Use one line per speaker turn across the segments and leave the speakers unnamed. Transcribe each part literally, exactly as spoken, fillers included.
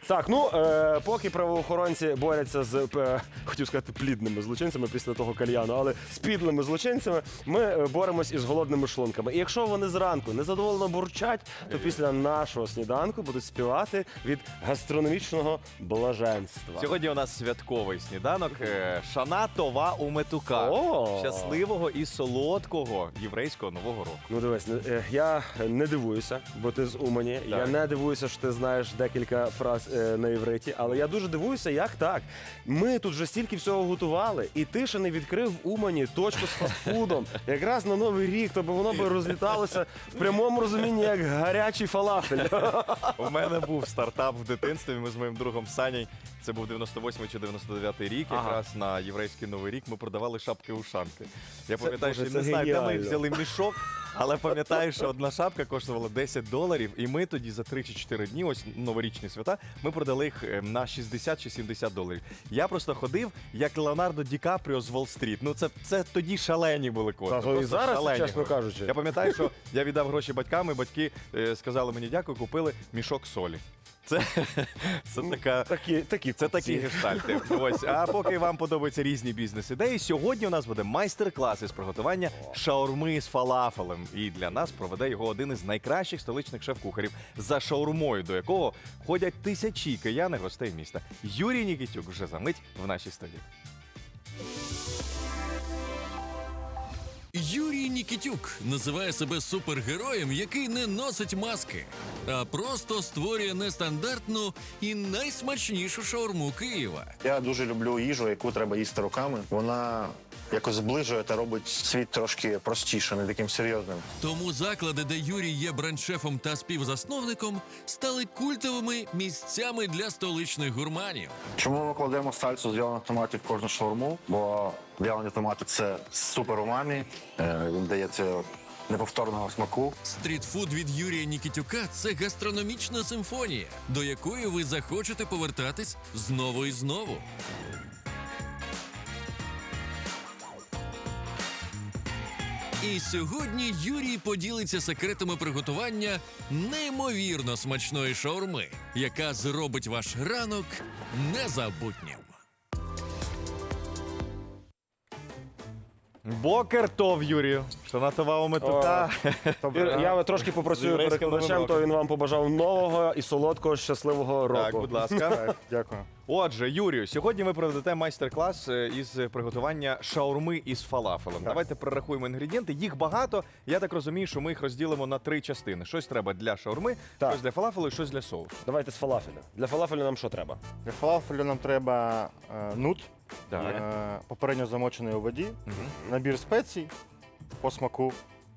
Так, ну, е, поки правоохоронці борються з, е, хотів сказати, плідними злочинцями після того кальяну, але з підлими злочинцями, ми е, боремось із голодними шлунками. І якщо вони зранку незадоволено бурчать, то після нашого сніданку будуть співати від гастрономічного блаженства.
Сьогодні у нас святковий сніданок. е, Шана Това у Метука.
О!
Щасливого і солодкого єврейського Нового року.
Ну дивись, е, я не дивуюся, бо ти з Умані. Я не дивуюся, що ти знаєш декілька фраз е, на івриті, але я дуже дивуюся, як так. Ми тут вже стільки всього готували, і ти ще не відкрив в Умані точку з фастфудом. Якраз на Новий рік, то би воно би розліталося в прямому розумінні, як гарячий фалафель.
У мене був стартап в дитинстві. Ми з моїм другом Саней. Це був дев'яносто восьмий чи дев'яносто дев'ятий рік.
Ага.
Якраз на єврейський Новий рік ми продавали шапки-ушанки. Я пам'ятаю,
Боже,
що
це
не знаю, де ми
геніально.
взяли мішок, але пам'ятаю, що одна шапка коштувала десять доларів, і ми тоді за три чи чотири дні, ось новорічні свята, ми продали їх е, на шістдесят чи сімдесят доларів. Я просто ходив, як Леонардо Ді Капріо з Волл-стріт. Ну це, це тоді шалені були кошти.
Та, то і
просто
зараз,
шалені
чесно
гроші.
кажучи.
Я пам'ятаю, що я віддав гроші батькам, і батьки е, сказали мені дякую, купили мішок солі. Це, це така...
Такі, такі
Це такі
купці.
гештальти. Ось. А поки вам подобаються різні бізнес-ідеї, сьогодні у нас буде майстер-клас із приготування шаурми з фалафелем. І для нас проведе його один із найкращих столичних шеф-кухарів, за шаурмою до якого ходять тисячі киян і гостей міста. Юрій Нікітюк вже за мить в нашій студії.
Юрій Нікітюк називає себе супергероєм, який не носить маски, а просто створює нестандартну і найсмачнішу шаурму Києва.
Я дуже люблю їжу, яку треба їсти руками. Вона якось зближує та робить світ трошки простіше, не таким серйозним.
Тому заклади, де Юрій є бренд-шефом та співзасновником, стали культовими місцями для столичних гурманів.
Чому ми кладемо сальсу з в'ялених томатів в кожну шаурму? Бо в'ялені томати – це супер умамі, е, він дає це неповторного смаку.
Стрітфуд від Юрія Нікітюка – це гастрономічна симфонія, до якої ви захочете повертатись знову і знову. І сьогодні Юрій поділиться секретами приготування неймовірно смачної шаурми, яка зробить ваш ранок незабутнім.
Бокер тов, Юрію. Шана Това у Метука.
Ір, Я трошки попрацюю
З єврейським
перекладачем,
Новим
то
роком.
він вам побажав нового і солодкого, щасливого року.
Так, будь ласка.
Дякую.
Отже, Юрію, сьогодні ви проведете майстер-клас е, із приготування шаурми із фалафелем. Давайте перерахуємо інгредієнти. Їх багато. Я так розумію, що ми їх розділимо на три частини. Щось треба для шаурми,
Так.
щось для фалафелу і щось для соусу.
Давайте з фалафеля. Для фалафелю нам що треба?
Для фалафелю нам треба е, нут,
Так.
е, попередньо замочений у воді, набір спецій по смаку,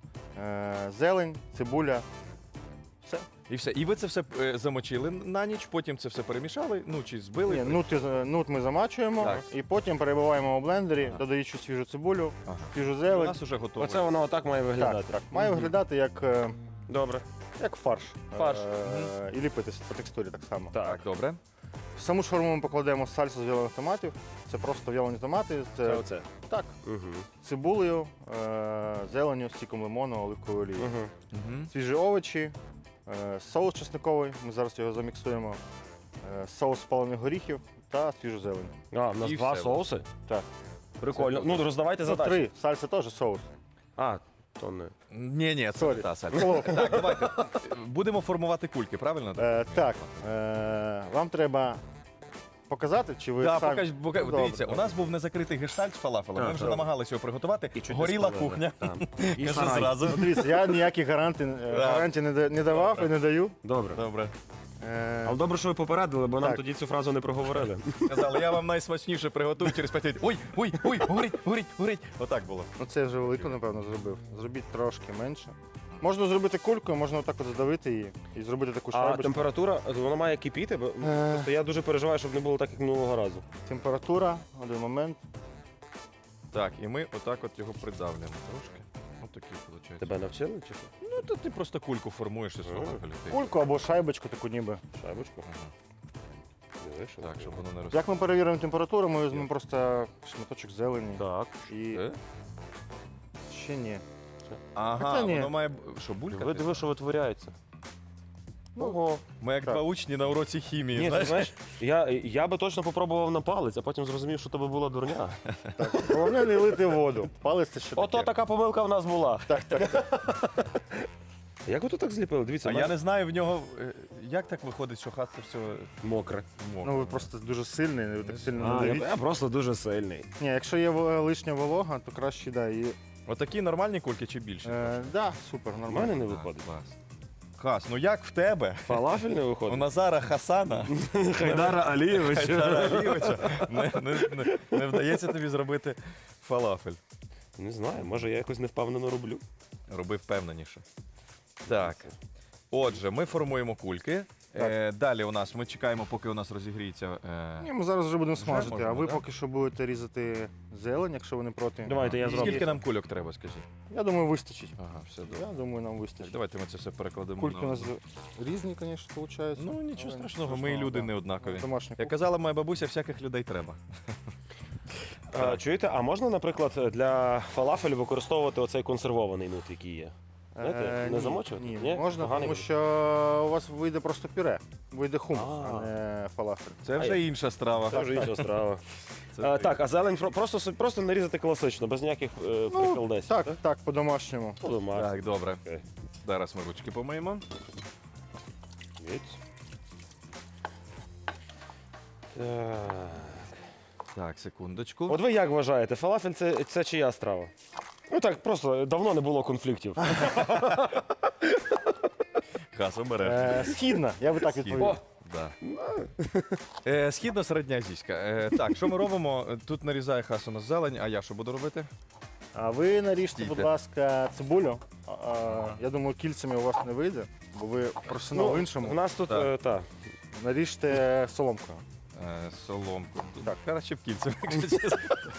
е, зелень, цибуля. Все.
І все. І ви це все е, замочили на ніч, потім це все перемішали, ну чи збили.
Ні, нут, із- нут ми замачуємо
Так.
і потім перебиваємо у блендері, додаючи свіжу цибулю,
Ага.
свіжу
У
зелень.
нас вже готово.
Оце воно отак має виглядати.
Так, так. Має виглядати як, е,
Добре.
як фарш.
Фарш.
Е, І ліпитися по текстурі так само.
Так, добре.
В саму шаурму ми покладемо сальсу з в'ялених томатів. Це просто в'ялені томати. Це,
Це оце.
Так,
Угу.
цибулею, е, зеленю, стіком лимону, оливковою олією.
Угу.
Угу.
Свіжі овочі, е, соус чесниковий, ми зараз його заміксуємо, е, соус спалених горіхів та свіжу зелень.
А, в нас
І
два
все.
соуси?
Так.
Прикольно. Ну, роздавайте
Ну,
задачі.
три. Сальса теж соус.
А, то не.
Ні, ні, це
Сорі.
не та сальса. Так, давайте. Будемо формувати кульки, правильно?
Е, так, е, вам треба показати, чи ви
Да,
самі...
покаж, пока-
Добре,
дивіться, у
добре.
нас був незакритий гештальт з фалафелем. Ми
Так,
вже
так.
намагалися його приготувати.
І чуть не
Горіла
спалили.
кухня.
Так. І
Кажу
сарай.
зразу.
Ну, дивіться, я ніяких гарантій, е, гарантій не, да- не давав і не даю.
Добре.
Добре.
Е,
Але добре, що ви попередили, бо нам
Так.
тоді цю фразу не проговорили.
Сказали, я вам найсмачніше приготую через п'ять хвилин. Ой, ой, ой, горить, горить, горить. Отак було.
ну, це вже велико, напевно, зробив. Зробіть трошки менше. Можна зробити кулькою, можна отак от задавити її і зробити таку
А
шайбочку.
температура, воно має кипіти, бо
Е.
просто я дуже переживаю, щоб не було так, як минулого разу.
Температура, один момент.
Так, і ми отак от його придавлюємо трошки. Отакий виходить.
Тебе навчили чи що?
Ну, то ти просто кульку формуєш із фалафелю. Ти-
Кульку або шайбочку таку ніби.
Шайбочку. Диви, що
Так,
це.
щоб воно не роз...
Як ми перевіримо температуру, ми візьмемо просто шматочок зелені.
Так.
І
Е?
ще ні.
Ага,
Хоча ні.
воно має... б- Що, булька?
Ви диви, що витворяється. Ого.
Ми як
так.
два учні на уроці хімії.
Ні, ти
знаєш?
знаєш, я, я би точно попробував на палець, а потім зрозумів, що тебе була дурня.
Головне не лити воду. Палець це ще
Ото
таке.
така помилка в нас була.
Так, так.
Як ви тут так зліпили? Дивіться,
А
в
я
мене
не знаю в нього, е, як так виходить, що хас це все
мокре.
мокре.
Ну ви просто дуже сильний, ви так сильно не
А, я,
давіть.
я просто дуже сильний.
Ні, якщо є в- лишня волога, то краще да. І,
Отакі нормальні кульки чи більше?
е, да, супер,
У
нормально.
мене не
Так,
виходить.
клас. Хас, ну як в тебе?
Фалафель не
У
виходить.
Назара Хасана
Хайдара Алієвича.
Хайдара Алійовича не, не, не, не вдається тобі зробити фалафель.
Не знаю, може я якось невпевнено роблю.
Роби впевненіше. Так. Отже, ми формуємо кульки. Е, далі у нас ми чекаємо, поки у нас розігріється. Е,
Ні, ми зараз вже будемо
Вже
смажити,
можемо,
а ви
да?
поки що будете різати зелень, якщо ви не проти.
Давайте я
і
зроблю.
скільки нам кульок треба, скажіть?
Я думаю, вистачить.
Ага, все добре.
Я думаю, нам вистачить.
Давайте ми це все перекладемо.
Кульки
на
у нас
одну.
різні, звісно, виходить.
Ну нічого страшного, ми люди
да.
не однакові.
Домашні
Як казала моя бабуся, всяких людей треба.
А, чуєте, а можна, наприклад, для фалафелю використовувати оцей консервований нут, який є? Знаєте,
Е,
не
ні,
замочувати?
Ні,
Ні?
можна,
Поганий
тому
буде?
що у вас вийде просто пюре. Вийде хумус,
А.
а не фалафель.
Це вже інша страва.
Це вже інша справа.
Це
А,
ти.
так, а зелень про- просто, собі- просто нарізати класично, без ніяких е, приколдесів.
Так, так, по-домашньому.
Подумав.
Так, добре.
Окей.
Зараз ми ручки помиємо.
Від. Так.
Так, секундочку.
От ви як вважаєте, фалафель це, це чия страва? Ну так, просто давно не було конфліктів.
Хас, обереш.
Е, східна, я би так відповів.
О,
Да. Е, Східно-середньоазійська. Е, так, що ми робимо? Тут нарізає хас у нас зелень, а я що буду робити?
А ви наріжте,
Стійте.
будь ласка, цибулю. А, а, я думаю, кільцями у вас не вийде, бо ви професіонал в
у
іншому.
нас тут,
Так.
е, та.
Наріжте соломкою.
Е, соломку.
Так.
Краще б кільцем, якщо чесно.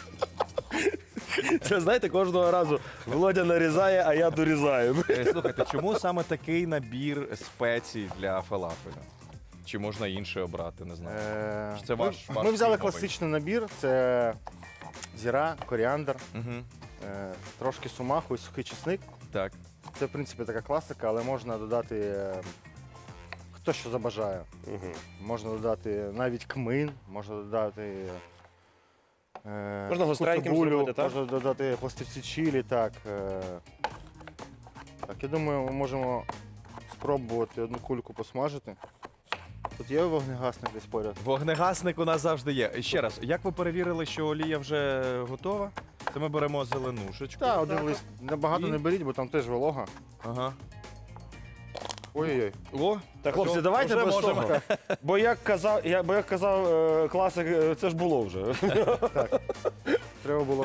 Це знаєте, кожного разу Володя нарізає, а я дорізаю.
Е, Слухайте, чому саме такий набір спецій для фалафеля? Чи можна інше обрати, не знаю.
Е,
Це
ми,
ваш- ваш
ми взяли
фірмовий.
класичний набір: це зіра, коріандр,
Угу.
е, трошки сумаху і сухий чесник.
Так.
Це, в принципі, така класика, але можна додати е, хто що забажає.
Мгм.
Можна додати навіть кмин, можна додати. Е,
Можна гостреньким
цибулю,
зробити, так?
Можна додати пластивці чилі, так. Е, так, я думаю, ми можемо спробувати одну кульку посмажити. Тут є вогнегасник десь поряд.
Вогнегасник у нас завжди є. І ще раз, як ви перевірили, що олія вже готова? Це ми беремо зеленушечку.
Так, один лист. Набагато
І?
не беріть, бо там теж волога.
Ага.
Ой-ой-ой.
О,
Так, хлопці,
Вже-
давайте
вже
без
можемо.
того. Бо як казав, я, бо як казав е, класик, е, це ж було вже.
Треба було.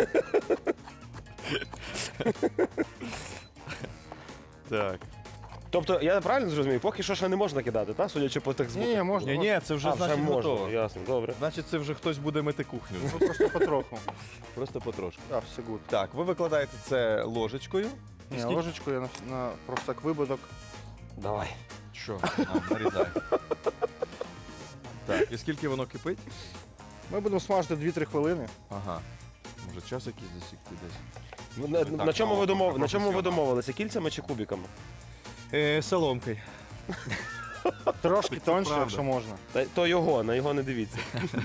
так.
Тобто, я правильно зрозумів, поки що ще не можна кидати, так? Судячи по тих звуках.
Ні, можна.
Ні, ні, це вже
А, вже
значить
можна,
готово.
ясно, добре.
Значить, це вже хтось буде мити кухню.
Ну, просто потроху.
Просто потрошку.
Так, все гуд.
Так, ви викладаєте це ложечкою.
Ні,
Скільки-
ложечку я на, на просто так випадок.
Давай.
Що? А, нарізай. Так, і скільки воно кипить?
Ми будемо смажити дві-три хвилини.
Ага. Може час якийсь засікти десь.
Ну, На,
Так,
на чому ви
ну,
домов... на чому ви
професіонал.
домовилися? Кільцями чи кубиками?
Е, соломкою.
Трошки тонше,
правда.
якщо можна.
Та, то його, на його не дивіться.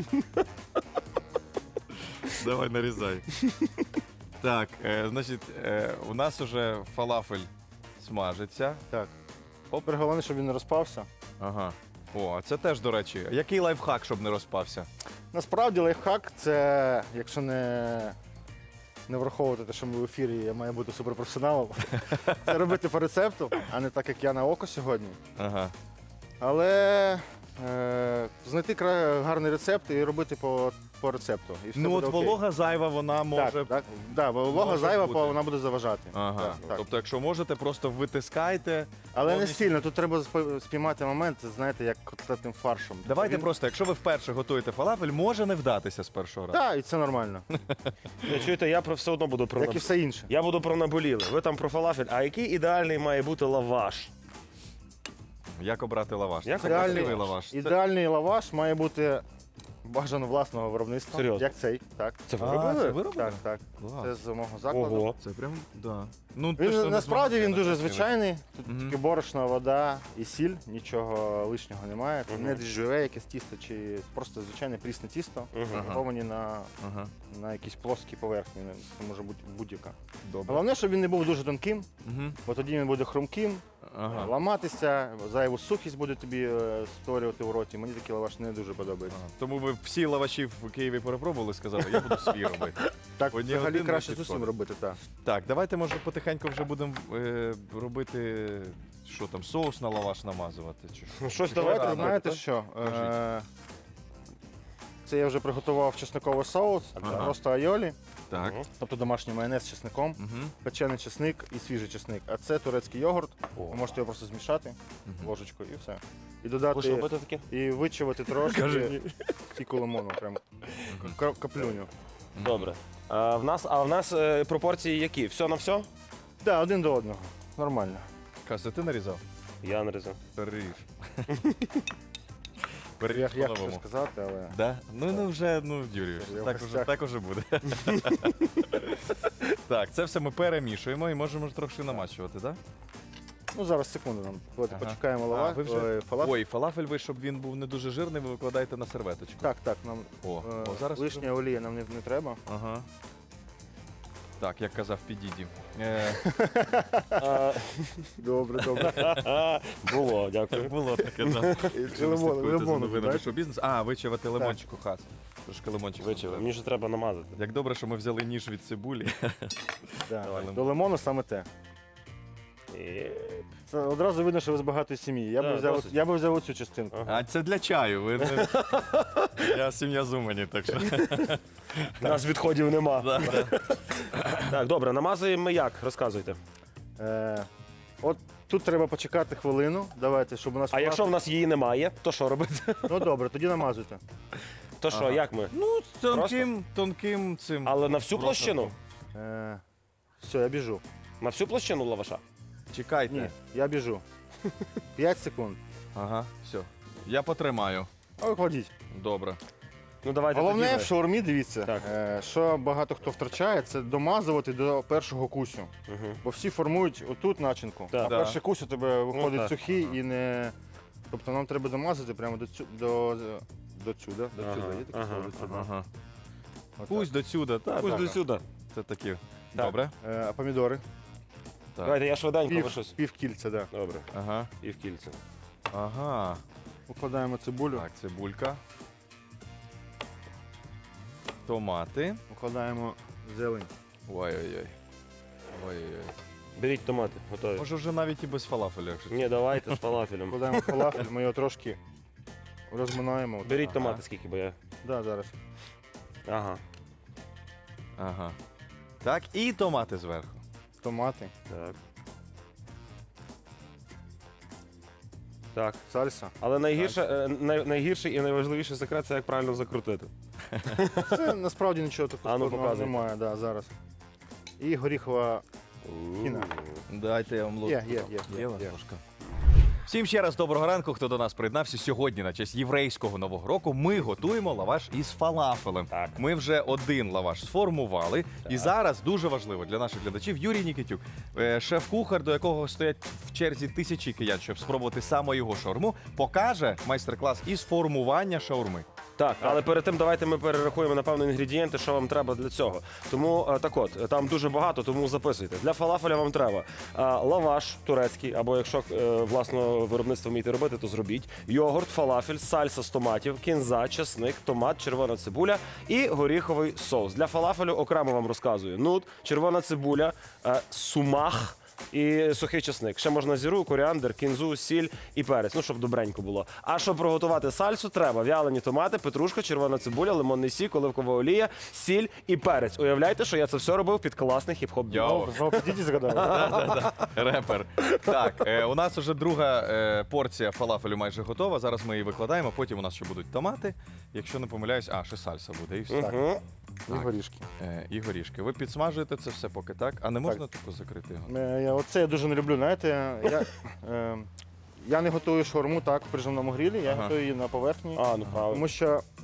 Давай нарізай. Так, е, значить, е, у нас уже фалафель смажиться.
Так. Опер, головне, щоб він не розпався.
Ага. О, а це теж, до речі. Який лайфхак, щоб не розпався?
Насправді лайфхак це, якщо не, не враховувати те, що ми в ефірі, я маю бути суперпрофесіоналом, це робити по рецепту, а не так, як я на око сьогодні.
Ага.
Але е, знайти кра- гарний рецепт і робити по, по рецепту. І все
Ну
буде
от
окей.
волога зайва, вона може.
Так, так, да, бо волога
може
зайва,
бути.
бо вона буде заважати.
Ага.
Так, так.
Тобто, якщо можете, просто витискайте.
Але не
повністю-
сильно, тут треба спи- спіймати момент, знаєте, як котлетним фаршем.
Давайте
Він-
просто, якщо ви вперше готуєте фалафель, може не вдатися з першого разу.
Так, і це нормально.
Ви чуєте, я про все одно буду про
Як і
наб-
все інше.
Я буду про наболіли. Ви там про фалафель. А який ідеальний має бути лаваш?
Як обрати лаваш?
Як
Це
обрати
красивий
лаваш?
лаваш. Це-
Ідеальний лаваш має бути Бажано власного виробництва.
Серйозно?
Як цей, так.
Це ви
А,
робили?
це ви робили?
Так, так.
Клас.
Це з мого закладу.
Ого.
Це прям, да. Ну, те, що
Він,
не
насправді
змогли
він дуже
накрили.
звичайний. Тут
Мгм.
тільки борошно, вода і сіль, нічого лишнього немає. Це
Мгм.
не дріжджове якесь тісто, чи просто звичайне прісне тісто,
Мгм.
готовані на,
Ага,
на якійсь плоскій поверхні. Це може бути будь-яка.
добре.
Головне, щоб він не був дуже тонким,
Угу.
бо тоді він буде хрумким,
Ага.
ламатися, зайву сухість буде тобі е, створювати в роті. Мені такий лаваш не дуже подобається.
Ага. Тому ви всі лаваші в Києві перепробували, сказали, я буду свій робити.
Так,
Одні
взагалі
один
краще
не
з усім
підходить.
робити, так.
Так, давайте, може, потихеньку вже будемо е, робити, що там, соус на лаваш намазувати. Чи що?
Ну, щось
Давайте,
давайте.
знаєте що? Е, Це я вже приготував чесниковий соус,
Ага.
просто айолі,
Так.
тобто домашній майонез з чесником,
Угу.
печений чесник і свіжий чесник. А це турецький йогурт.
О.
Ви можете його просто змішати
Мгм.
ложечкою і все. І
Будеш
додати
робити таке?
і вичавити трошки стільки лимону, прям ка- каплюню.
Добре. А в нас, а в нас е, пропорції які? Все на все?
Так, один до одного. Нормально.
Каже, ти нарізав?
Я нарізав.
Переріж.
Я,
Переріж
я хочу
по-новому.
сказати, але.
Да? Ну, ну вже, ну, Юрій,
Я в
так уже,
гостях.
так уже буде. Так, це все ми перемішуємо і можемо ж трохи намачувати, так?
Ну зараз секунду нам. Давайте
Ага.
почекаємо
А,
лава.
ви вже-
ой, фалафель.
Ой, фалафель ви, щоб він був не дуже жирний, ви викладаєте на серветочку.
Так, так, нам
О,
е,
о, зараз
лишня олія нам не, не треба.
Ага. Так, як казав Підіді. Е,
А,
Добре, добре.
Було, дякую.
було таке, так.
Чи лимон, лимон,
новинами
так?
шоу бізнес. А, вичавати лимончику хас. Трошки лимончику.
Вичили. Мені ж треба намазати.
Як добре, що ми взяли ніж від цибулі.
Да.
Давай,
До лимону саме те.
І...
Це одразу видно, що ви з багатої сім'ї. Я
Да,
би взяв,
досить.
я би взяв оцю частинку.
Ага.
А це для чаю. Ви не... Я сім'я з Умані, так що.
У нас відходів нема. Так, добре, намазуємо ми як? Розказуйте.
Е, от тут треба почекати хвилину. Давайте, щоб у нас.
А якщо в нас її немає, то що робити?
Ну добре, тоді намазуйте.
То що,
Ага.
як ми?
Ну, тонким, тонким цим.
Але на всю
Просто
площину?
Е, все, я біжу.
На всю площину лаваша?
Чекайте.
Ні, я біжу. П'ять секунд.
Ага, все. Я потримаю.
А ви кладіть.
Добре.
Ну давайте
Головне
тоді
в
ви.
шаурмі, дивіться,
Так.
е, що багато хто втрачає, це домазувати до першого кусю.
Мгм.
Бо всі формують отут начинку,
Так.
а
Да.
перший кусь у тебе виходить
так.
сухий і не. Тобто нам треба домазати прямо до цю до, до цюда. До
Ага,
цюда. Є таке
ага,
слово? До цюда.
Ага.
Отак.
Пусть до сюди, так.
Пусть
так.
до сюди.
Це такі.
Так.
Добре.
Е, а помідори?
Так.
Давайте я швиденько
Пів,
лишусь.
пів кільця, так. Да.
Добре,
Ага.
і в кільце.
Ага.
Укладаємо цибулю,
Так, цибулька. Томати.
укладаємо зелень.
Ой-ой-ой. Ой-ой-ой.
Беріть томати, готові.
Може вже навіть і без фалафеля, якщо.
Ні, давайте з фалафелем.
Укладаємо фалафель, ми його трошки розминаємо.
Беріть
Ага.
томати скільки, бо я.
Да, зараз.
Ага.
Ага. Так, і томати зверху.
Томати,
Так. Так.
сальса.
Але найгірше, е, най, найгірший і найважливіший секрет це як правильно закрутити.
Це насправді нічого такого
А ну,
складного
показуй.
немає, да, зараз. І горіхова. Кіна.
Дайте я вам ложку.
Є, є, є, є,
у вас
є.
ложка? Всім ще раз доброго ранку, хто до нас приєднався. Сьогодні на честь єврейського нового року ми готуємо лаваш із фалафелем.
Так.
Ми вже один лаваш сформували. І зараз дуже важливо для наших глядачів Юрій Нікітюк, е, шеф-кухар, до якого стоять в черзі тисячі киян, щоб спробувати саме його шаурму, покаже майстер-клас із формування шаурми.
Так, але перед тим давайте ми перерахуємо напевно інгредієнти, що вам треба для цього. Тому е, так от, там дуже багато, тому записуйте. Для фалафеля вам треба е, лаваш турецький, або якщо е, власного виробництва вмієте робити, то зробіть. Йогурт, фалафель, сальса з томатів, кінза, чесник, томат, червона цибуля і горіховий соус. Для фалафелю окремо вам розказую. Нут, червона цибуля, е, сумах. І сухий чесник. Ще можна зіру, коріандр, кінзу, сіль і перець, ну щоб добренько було. А щоб приготувати сальсу, треба в'ялені томати, петрушка, червона цибуля, лимонний сік, оливкова олія, сіль і перець. Уявляйте, що я це все робив під класний хіп-хоп біт.
Йоу.
Знову підійдіть згадали.
Репер. Так, е, у нас вже друга е, порція фалафелю майже готова. Зараз ми її викладаємо, потім у нас ще будуть томати. Якщо не помиляюсь, а, ще сальса буде і все.
Мгм.
І горішки.
Е, і горішки. Ви підсмажуєте це все поки так? А не можна таку закрити його?
Е, я- Оце я дуже не люблю, знаєте. Я, е, я не готую шаурму так в прижимному грілі, я
Ага.
готую її на поверхні.
А, ну правильно.
Тому що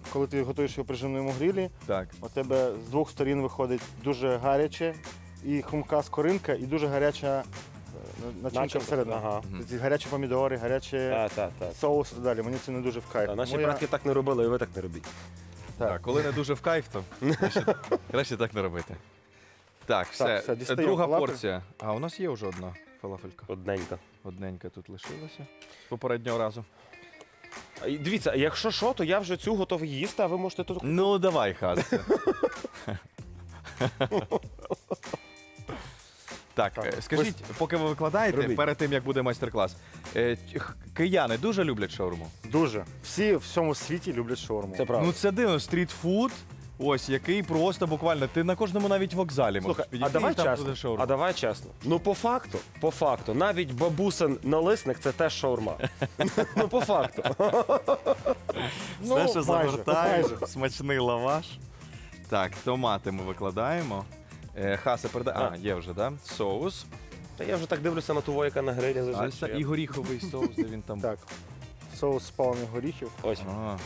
коли ти готуєш його при жимному грилі,
Так.
у тебе з двох сторін виходить дуже гаряче і хрумка скоринка, і дуже гаряча е, начинка
Начинка,
всередині.
ага.
Ці гарячі помідори, гарячі
Так, так, так.
соус і так далі. Мені це не дуже в кайф.
Та Наші
Тому я-
предки так не робили, і ви так не робіть.
Так, коли не дуже в кайф, то краще, краще так не робити. Так, все.
все, дістаємо
Друга
фалафель.
порція. А у нас є вже одна фалафелька.
Одненько.
Одненька тут лишилася. З попереднього разу.
А, і Дивіться, якщо що, то я вже цю готовий їсти, а ви можете тут.
Ну, давай, Хас. Так,
Так,
е, скажіть, поки ви викладаєте,
Робіть.
перед тим, як буде майстер-клас, е, х- кияни дуже люблять шаурму?
Дуже. Всі в всьому світі люблять шаурму.
Це правда.
Ну це дивно, стрітфуд, ось, який просто буквально, ти на кожному навіть вокзалі можеш
Слухай,
підійти,
а давай
і там буде
чесно.
шаурма.
А давай чесно. Ну по факту, по факту, навіть бабусин налисник це теж шаурма. Ну по факту.
Ну,
Все, що
майже,
загортаєш,
майже.
смачний лаваш. Так, томати ми викладаємо. Е, Хаса передає. А,
А.
є вже, да? Соус.
Та я вже так дивлюся на того, яка на грилі
А,
лежить.
це
що я-
і горіховий соус, де він там.
Так. Соус з палених горіхів.
Ось.
А.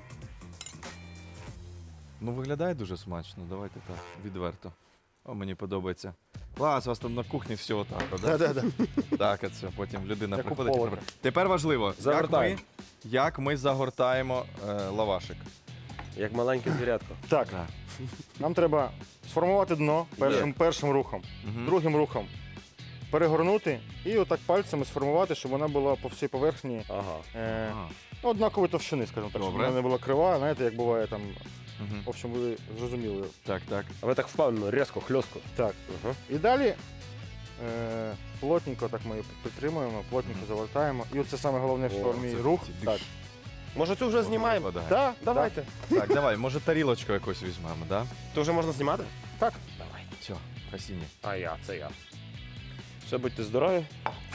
Ну, виглядає дуже смачно, давайте так, відверто. О, мені подобається. Клас, у вас там на кухні все отак, а, да?
Да-да-да.
Так, а це потім людина
Як у
приходить. і
повара.
робить. Тепер важливо, як ми,
Загортаємо.
як ми загортаємо е, лавашик.
Як маленьке звірятко.
Так, нам треба сформувати дно першим, першим рухом,
Мгм.
другим рухом перегорнути і отак пальцями сформувати, щоб вона була по всій поверхні
Ага.
е,
Ага.
ну, однакової товщини, скажімо так, щоб
Добре.
вона не була крива, знаєте, як буває там.
Мгм.
В общем, ви зрозуміли.
Так, так.
А ви так впевнено, різко, хльостко.
Так.
Ага.
І далі е, плотненько так ми підтримуємо, плотненько
Мгм.
завертаємо. І оце саме головне в
О,
шаурмі
це
рух.
ці
Так,
більш-
Може цю вже знімаємо?
Викладає.
так,
Давайте.
Так, давай, може тарілочку якусь візьмемо, да?
То вже можна знімати?
Так.
Давай.
Все, красині.
А я, це я. Все, будьте здорові.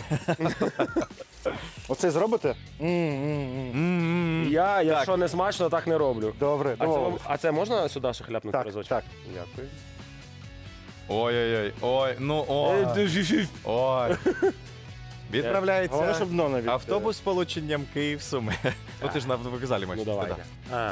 Оце зробите? М-м-м.
Я, якщо не смачно, так не роблю.
Добре,
А це,
добре.
вам- а це можна сюди ще хляпнути
Так,
разочок?
так.
Дякую.
Ой-ой-ой, ой, ну ой. Ой. Відправляється
Головне, щоб дно навіть.
автобус з полученням Київ-Суми. Ну ти ж на вокзалі
Ну
маєш.
давайте.
да.
А,
е,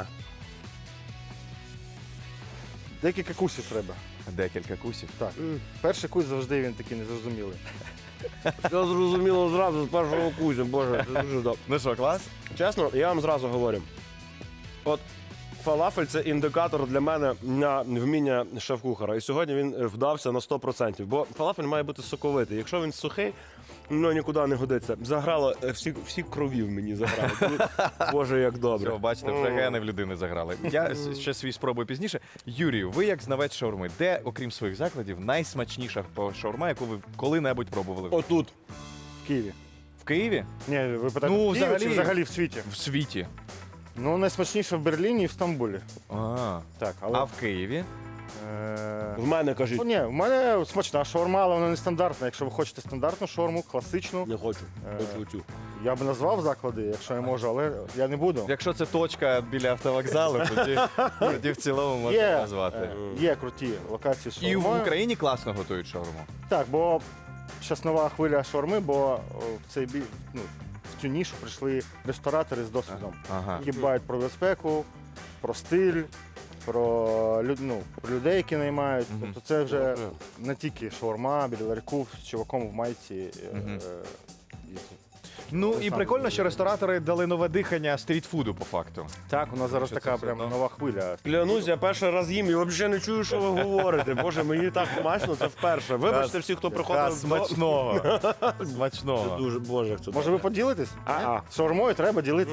Декілька кусів треба.
Декілька кусів.
Так. Перший кус завжди він такий незрозумілий.
все зрозуміло зразу з першого кузю, боже, це дуже добре.
Ну що, клас?
Чесно, я вам зразу говорю. От фалафель це індикатор для мене на вміння шеф-кухара. І сьогодні він вдався на сто відсотків. Бо фалафель має бути соковитий. Якщо він сухий, ну нікуди не годиться. Заграло е, всі, всі крові в мені заграли. Боже, як добре.
Все, бачите, вже гени в людини заграли. Я с- ще свій спробую пізніше. Юрію, ви як знавець шаурми, де, окрім своїх закладів, найсмачніша по- шаурма, яку ви коли-небудь пробували?
Отут.
В Києві.
В Києві?
Ні, ви питаєте,
Ну,
в Києві
взагалі-
чи взагалі в світі?
В світі.
Ну, найсмачніше в Берліні і в Стамбулі.
А,
Так, але.
а в Києві?
Е...
В мене кажіть.
Ну, ні, в мене смачна шаурма, але вона не стандартна. Якщо ви хочете стандартну шаурму, класичну,
Не хочу.
Е.
Хочу цю.
я б назвав заклади, якщо я можу, але я не буду.
Якщо це точка біля автовокзалу, тоді, тоді в цілому можна
Є,
назвати.
е, є круті локації з
І в
шаурмою.
Україні класно готують шаурму.
Так, бо зараз нова хвиля шаурми, бо о, в цей бі... ну, в цю нішу прийшли ресторатори з досвідом,
Ага.
які дбають про безпеку, про стиль, про, люд... ну, про людей, які наймають.
Мгм.
Тобто це вже не тільки шаурма біля ларьку з чуваком в майці. е,
Мгм.
е, і-
Ну
Це
і
саме
прикольно,
дуже
що ресторатори дали нове дихання стрітфуду по факту.
Так, у нас зараз
Що
така
це
прям
все одно?
нова хвиля.
Клянусь, я перший раз їм і взагалі не чую, що ви говорите. Боже, мені так смачно, це вперше. Вибачте всі, хто
Та,
приходив. до-
смачного.
Це
Смачного.
дуже, боже, як це
Може, ви поділитесь?
А-а.
З шаурмою треба ділитись.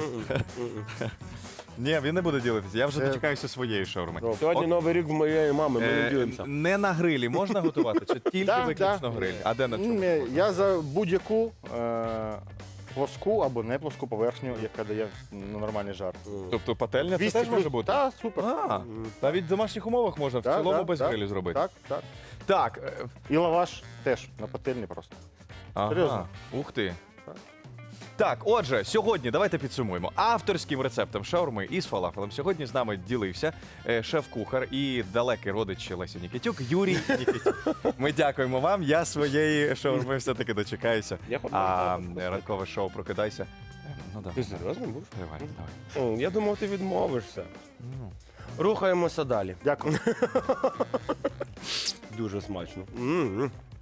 Ні, він не буде ділитися. Я вже
Це-
дочекаюся своєї шаурми.
Добре.
Сьогодні новий рік в моєї мами, ми не
Е,
ділимося.
Не на грилі можна готувати, чи тільки
Да,
виключно
да.
гриль? А де на чому?
М, Я за будь-яку е, плоску або не плоску поверхню, яка дає ну, нормальний жар.
Тобто пательня це
двісті
теж може
плюс-
бути?
Так, супер.
А, навіть в домашніх умовах можна в
Так,
цілому
так,
без
так,
грилю зробити.
Так, так.
Так. е,
І лаваш теж на пательні просто.
Ага.
Серйозно?
Ух ти.
Так.
Так, отже, сьогодні давайте підсумуємо. Авторським рецептом шаурми із фалафелем сьогодні з нами ділився е, шеф-кухар і далекий родич Лесі Нікітюк Юрій Нікітюк. Ми дякуємо вам. Я своєї шаурми все-таки дочекаюся.
Я хочу.
А ранкове шоу «Прокидайся» Ну,
Ти
давай.
серйозно будеш?
Давай, давай.
О, я думав, ти відмовишся.
Ну.
Рухаємося далі.
Дякую.
Дуже смачно. М-м.